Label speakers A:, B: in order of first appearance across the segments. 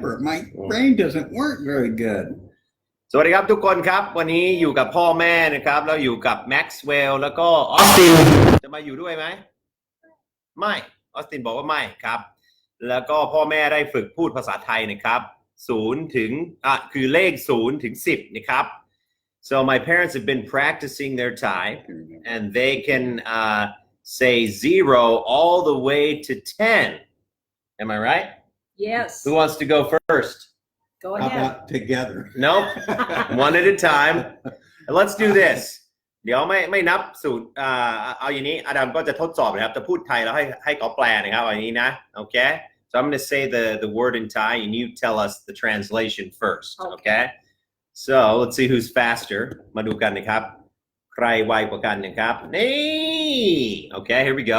A: remember. My brain doesn't work very good.
B: สวัสดีครับทุกคนครับวันนี้อยู่กับพ่อแม่นะครับแล้วอยู่กับแม็กซ์เวลล์แล้วก็ออสตินจะมาอยู่ด้วยไหมไม่ออสตินบอกว่าไม่ครับแล้วก็พ่อแม่ได้ฝึกพูดภาษาไทยนะครับ0ถึงคือเลข0ถึง10นะครับ so my parents have been practicing their Thai and they can say 0 all the way to 10 am I right
C: Yes
B: who wants to go first
C: Go
A: How
C: ahead
A: about together?
B: Nope. One at a time. Let's do this. เดี๋ยวไม่นับสูตรเอาอย่างนี้อดัมก็จะทดสอบนะครับจะพูดไทยแล้วให้เขาแปลนะครับเอาอย่างนี้นะโอเค so I'm going to say the word in Thai and you tell us the translation first okay so let's see who's faster มาดูกันนะครับใครไวกว่ากันนะครับนี่ okay here we go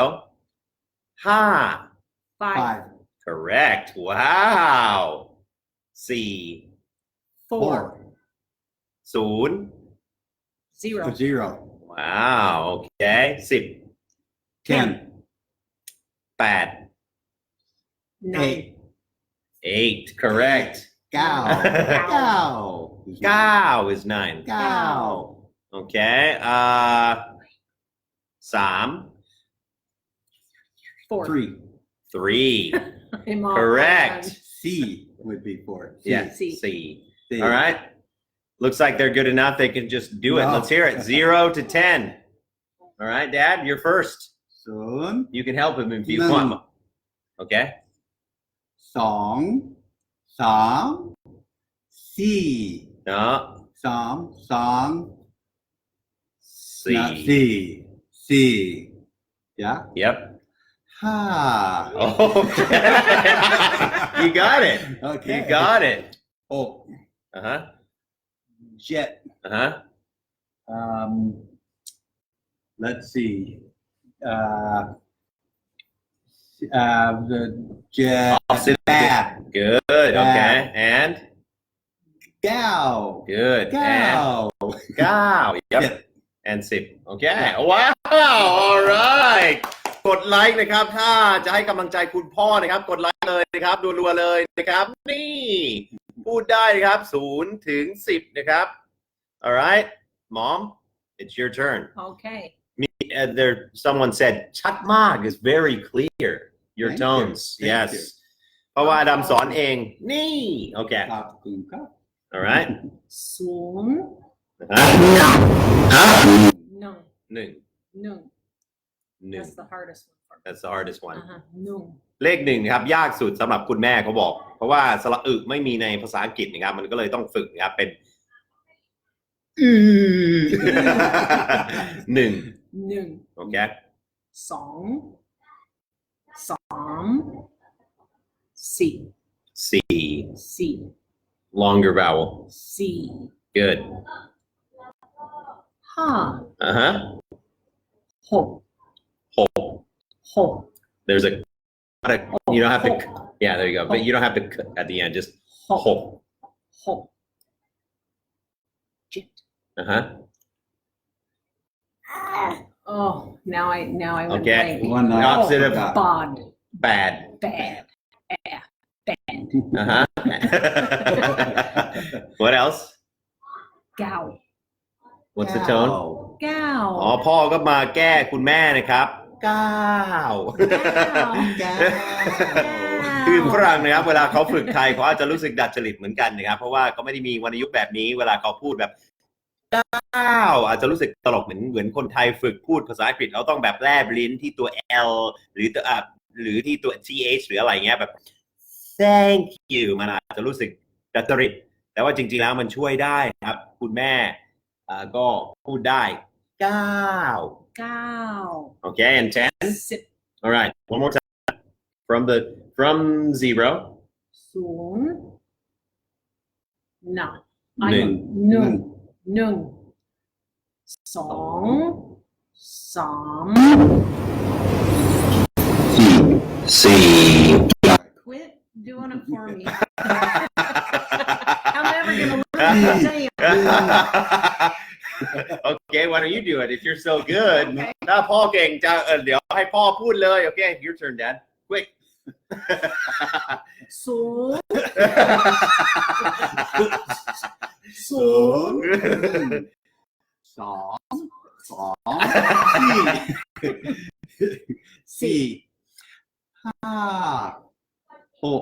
B: 5
C: 5
B: correct wow 4
C: 4
B: 0
C: 0
A: 0
B: wow okay 10
A: 10
B: 8
C: 9
B: 8 correct
A: 9
B: 9 is 9
A: 9
B: okay 3
C: 4
A: 3
B: 3
C: I'm all
B: correct
A: C would be 4
B: yeah
C: C.
B: C all right looks like they're good enough they can just do it
A: No.
B: let's hear it 0 to 10 all right Dad you're first
A: 0
B: you can help him if you
A: No.
B: want okay
A: 2 3 4
B: no
A: 3
B: C
A: C yeah
B: yep
A: 5
B: okay you got it
A: Okay.
B: you got it
A: Oh,
B: uh-huh
A: jet.
B: uh-huh
A: Let's see. The jet. Bad.
B: good okay and
A: Gal.
B: good
A: Gal.
B: and Gal yep and 10 okay wow all right กดไลค์นะครับถ้าจะให้กำลังใจคุณพ่อนะครับกดไลค์เลยนะครับรัวๆเลยนะครับนี่พูดได้ครับ0ถึง10นะครับ all right mom it's your turn
C: Okay
B: there someone said ชัดมาก is very clear your
A: Thank
B: tones
A: you. Thank
B: yes
A: you.
B: เพราะว่าอดัมสอนเองนี่โอเค all right
C: 0
B: ฮะ
C: No
B: หนึ่ง
C: No
B: หนึ่ง
C: That's the hardest one for me
B: that's the hardest one
C: No
B: เลข1ครับยากสุดสำหรับคุณแม่เขาบอกเพราะว่าสระอึไม่มีในภาษาอังกฤษนะครับมันก็เลยต้องฝึกนะครับเป็นหนึ่ง
C: 1
B: โอเค
C: 2 3 4
B: C
C: C
B: longer vowel
C: C
B: good
C: 5
B: uh-huh
C: 6
B: 6 there's a you don't have to yeah there you go but you don't have to at the end just 6
C: 6 Jet
B: uh-huh
C: Oh now I went
B: okay
C: blank.
A: One
B: the opposite of
C: Bod
B: bad
C: Bad Bad
B: uh-huh what else
C: Gow
B: what's the tone
C: Gow
B: อ๋อพ่อก็มาแก้คุณแม่นะครับก้าว คือฝรั่งนะครับเวลาเขาฝึกไทยเขาอาจจะรู้สึกดัดจริตเหมือนกันนะครับเพราะว่าเขาไม่ได้มีวรรณยุกต์แบบนี้เวลาเขาพูดแบบก้าวอาจจะรู้สึกตลกเหมือนคนไทยฝึกพูดภาษาอังกฤษเขาต้องแบบแลบลิ้นที่ตัว L หรือตัวหรือที่ตัว TH หรืออะไรเงี้ยแบบ thank you มันอาจจะรู้สึกดัดจริตแต่ว่าจริงๆแล้วมันช่วยได้ครับคุณแม่ก็พูดได้ก้าว
C: Gow
B: okay and 10
C: Sip
B: all right one more time from 0
C: Soon No
B: Noon.
C: Noon 2 3
B: C
C: Quit doing it for me I'm never gonna learn to say it
B: Okay why don't you do it if you're so good ถ้าพ่อเก่งจะเดี๋ยวให้พ่อพูดเลย Okay your turn Dad quick
C: ศูนย์
A: ศูนย์สองสี่ห้าหก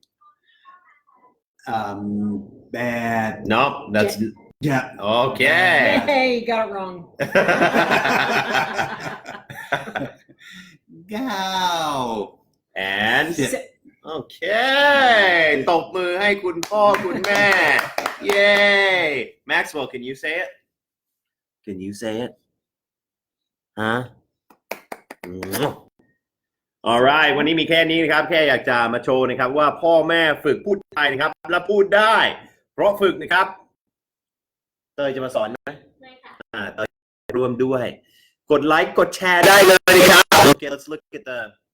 A: แปด
B: no that's
A: yeah
B: okay
C: Hey, you got it wrong.
A: เก้า
B: and
C: Si-
B: โอเคตบมือให้คุณพ่อคุณแม่ Yay Maxwell can you say it can you say it huh alright วันนี้มีแค่นี้นะครับแค่อยากจะมาโชว์นะครับว่าพ่อแม่ฝึกพูดไทยนะครับและพูดได้เพราะฝึกนะครับเตยจะมาสอนไหมเตยร่วมด้วยกดไลค์กดแชร์ได้เลยนะครับ Okay let's look at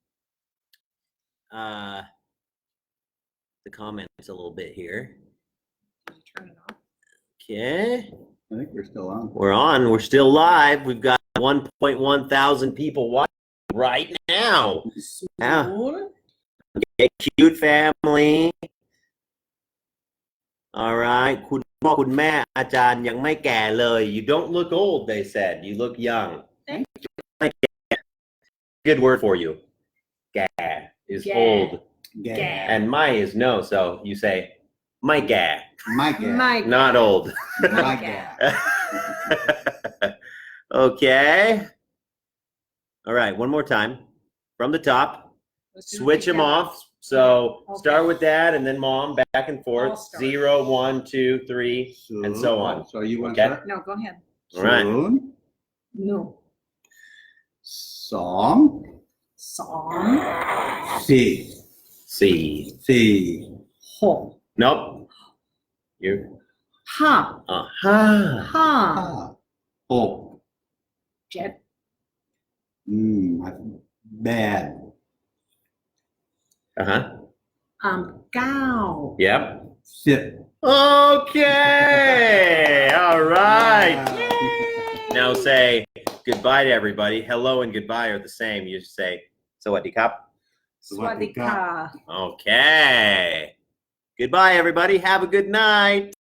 B: the comments a little bit here
C: Did you turn it off?
B: okay
A: I think we're still on.
B: we're still live we've got 1.1 thousand people watching right now อ้าว
C: ศูนย์
B: Okay, cute family alright คุณพ่อคุณแม่อาจารย์ยังไม่แก่เลย you don't look old they said you look young good word for you แก่ is
C: แก่
B: old
A: Yeah.
B: and ไม่ is no so you say ไม่แก่
A: My God.
C: My
B: not old
A: My God.
B: okay all right one more time from the top
C: Let's do it
B: switch them
C: together.
B: off so
C: Okay.
B: start with dad and then mom back and forth
C: I'll start.
B: 0 1 2 3 and so on
A: So you want
B: Okay.
A: to start?
C: No, go ahead.
B: all right
A: ศูนย์
C: No.
A: สอง
C: สอง
A: สี่
B: สี่
A: สี่
C: หก
B: nope you
C: ห้า
B: ห้า
C: ห้า
A: ห้าหก
C: เจ็ด
A: bad
B: uh-huh
C: เก้า
B: yep
A: สิบ
B: okay all right now say goodbye to everybody hello and goodbye are the same you just say สวัสดีครับ
C: สวัสดีค่ะ
B: okay goodbye everybody have a good night